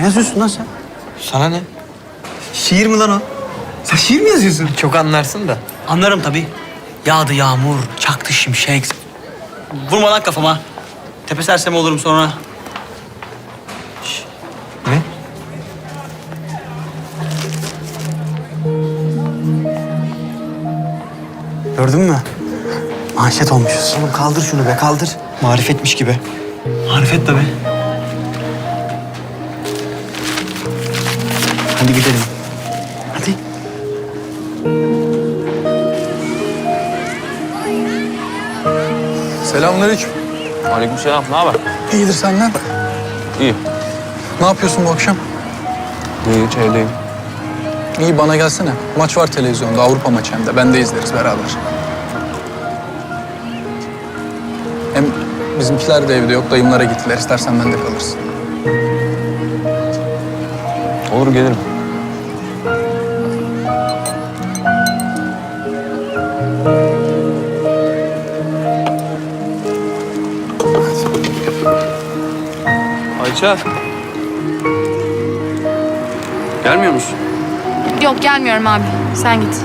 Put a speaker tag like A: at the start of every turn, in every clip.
A: Ne yazıyorsun lan sen?
B: Sana ne?
A: Şiir mi lan o? Sen şiir mi yazıyorsun?
B: Çok anlarsın da.
A: Anlarım tabii. Yağdı yağmur, çaktı şimşek. Vurma lan kafama. Tepe sersemi olurum sonra.
B: Ne?
A: Gördün mü? Manşet olmuşuz.
B: Oğlum kaldır şunu be, kaldır. Marifetmiş gibi.
A: Marifet tabii. Hadi gidelim. Hadi.
C: Selamünaleyküm.
D: Aleykümselam. Ne haber?
C: İyidir senden.
D: İyi.
C: Ne yapıyorsun bu akşam?
D: Hiç evdeyim.
C: İyi bana gelsene. Maç var televizyonda, Avrupa maçı hem de. Ben de izleriz beraber. Hem bizimkiler de evde yok. Dayımlara gittiler. İstersen ben de kalırsın.
D: Olur gelirim. Ayça. Gelmiyor musun?
E: Yok gelmiyorum abi. Sen git.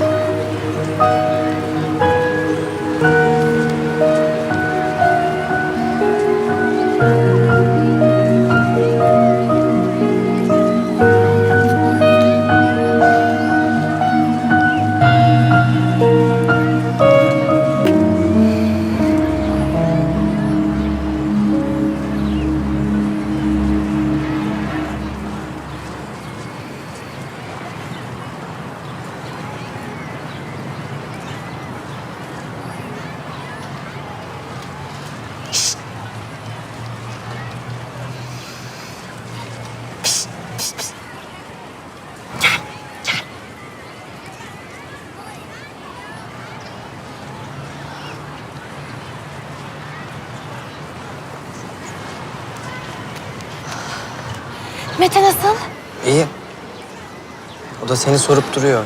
E: Mete nasıl?
B: İyi. O da seni sorup duruyor.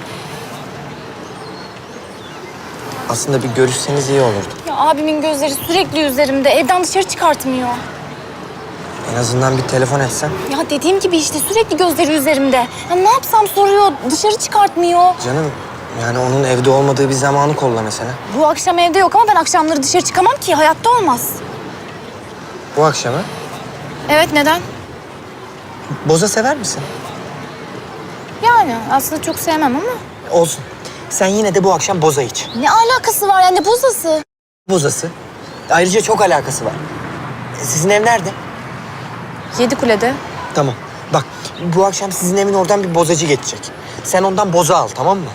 B: Aslında bir görüşseniz iyi olurdu.
E: Ya abimin gözleri sürekli üzerimde. Evden dışarı çıkartmıyor.
B: En azından bir telefon etsen.
E: Ya dediğim gibi işte sürekli gözleri üzerimde. Ya ne yapsam soruyor, dışarı çıkartmıyor.
B: Canım, yani onun evde olmadığı bir zamanı kolla mesela.
E: Bu akşam evde yok ama ben akşamları dışarı çıkamam ki. Hayatta olmaz.
B: Bu akşamı.
E: Evet neden?
B: Boza sever misin?
E: Yani aslında çok sevmem ama.
B: Olsun. Sen yine de bu akşam boza iç.
E: Ne alakası var yani bozası?
B: Bozası. Ayrıca çok alakası var. Sizin ev nerede?
E: Yedikule'de.
B: Tamam. Bak, bu akşam sizin evin oradan bir bozacı geçecek. Sen ondan boza al, tamam mı?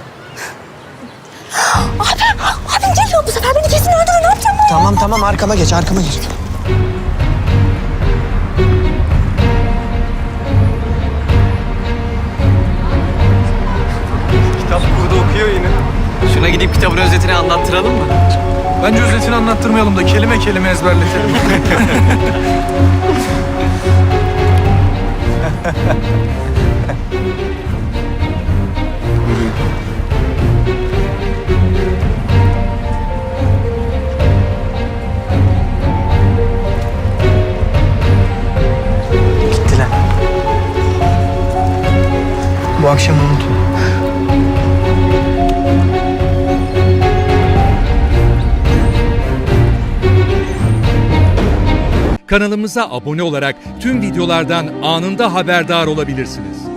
E: Abim geliyor bu sefer beni kesin öldürür. Ne yapacağım ben?
B: Tamam, arkama geç, arkama geç.
C: Kitap burada okuyor yine.
A: Şuna gidip kitabın özetini anlattıralım mı?
C: Bence özetini anlattırmayalım da kelime kelime ezberletelim.
B: Gittiler. Bu akşam unutma.
F: Kanalımıza abone olarak tüm videolardan anında haberdar olabilirsiniz.